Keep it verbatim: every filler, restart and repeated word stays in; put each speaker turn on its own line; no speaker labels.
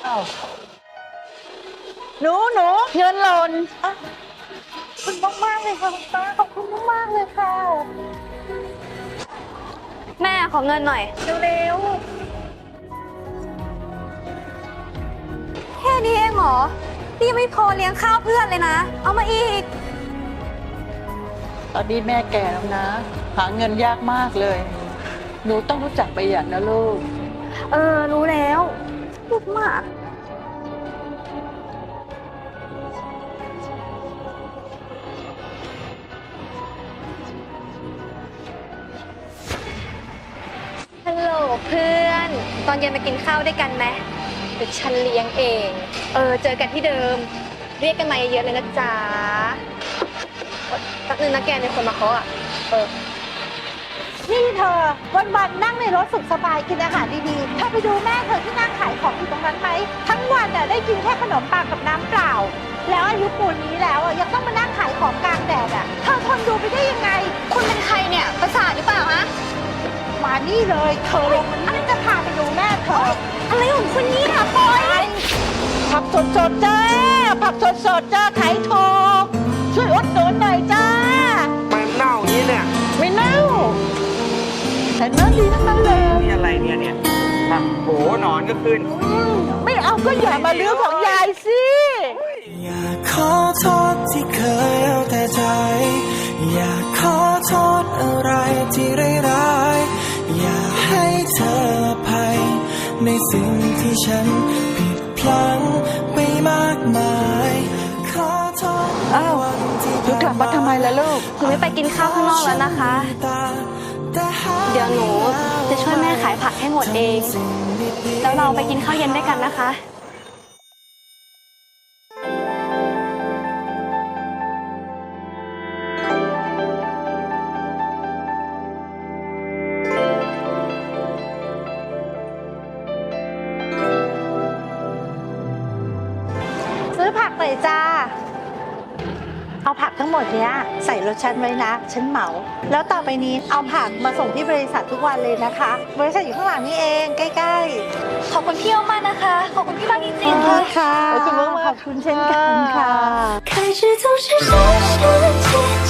อ้าวหนูหนูเงินหล่นอ่ะขอบคุณมากๆเลยค่ะคุณป้าขอบคุณมากๆเลยค่ะ
แม่ขอเงินหน่อย
เร็ว
แค่นี้เองเหรอนี่ยังไม่พอเลี้ยงข้าวเพื่อนเลยนะ เอามาอีก
ๆตอนนี้แม่แก่แล้วนะ หาเงินยากมากเลย หนูต้องรู้จักประหยัดนะลูก
เออ รู้แล้วพูดมาก ฮัลโหลเพื่อน ตอนเย็นมากินข้าวด้วยกันไหมเดี๋ยวฉันเลี้ยงเอง เออ เจอกันที่เดิม เรียกกันมาเยอะๆเลยนะจ๊ะสักนึงนะแกในคนมาเคาะอ่ะ เออ
นี่เธอวันๆนั่งในรถสุขสบายกินอาหารดีๆเธอไปดูแม่เธอที่นั่งขายของอยู่ตรงนั้นไหมทั้งวันน่ะได้กินแค่ขนมปังกับน้ำเปล่า แล้วอายุปูนนี้แล้วอ่ะยังต้องมานั่งขายของกลางแดดอ่ะเธอทนดูไปได้ยังไง
คุณเป็นใครเนี่ย ประสาทหรือเปล่าฮะ
มานี่เลยเธอลงมานี่จะพาไปดูแม่เธอ
อะไรของคุณเนี่ยปอย
ผักสดๆจ้าผักสดๆจ้าขายถูกช่วยอดหนุนหน่อยจ้า
มันเน่าอย่างนี้เนี่ย
ไม่เน่าแต่เนื้อดีทั้งนั้นเลย
นี่อะไรเนี่ยเนี่ยอ่ะโหหนอนก็ขึ้น
ไม่เอาก็อย่ามาลื้อของยายสิ
อยากขอโทษที่เคยเอาแต่ใจ อยากขอโทษอะไรที่ร้ายๆอยากให้เธออภัยในสิ่งที่ฉันผิดพลั้งไปมากมาย ขอโทษ
อ้าวหนูกลับมาทำไมล่ะลูก
หนูไม่ไปกินข้าวข้างนอกแล้วนะคะ เดี๋ยวหนูจะช่วยแม่ขายผักให้หมดเอง แล้วเราไปกินข้าวเย็นด้วยกันนะคะ
ซื้อผักหน่อยจ้า เอาผักทั้งหมดเนี้ยใส่รถฉันไว้นะ ฉันเหมา แล้วต่อไปนี้เอาผักมาส่งที่บริษัททุกวันเลยนะคะ บริษัทอยู่ข้างหลังนี่เองใกล้ๆ
ขอบคุณพี่มากนะคะ ขอบคุณพี่มากจริงๆ
ขอ
ค่ะ
บคุณค่ะ
ขอบคุณมากๆ
ขอบคุณเช่นกันค่ะ
开始总是深深记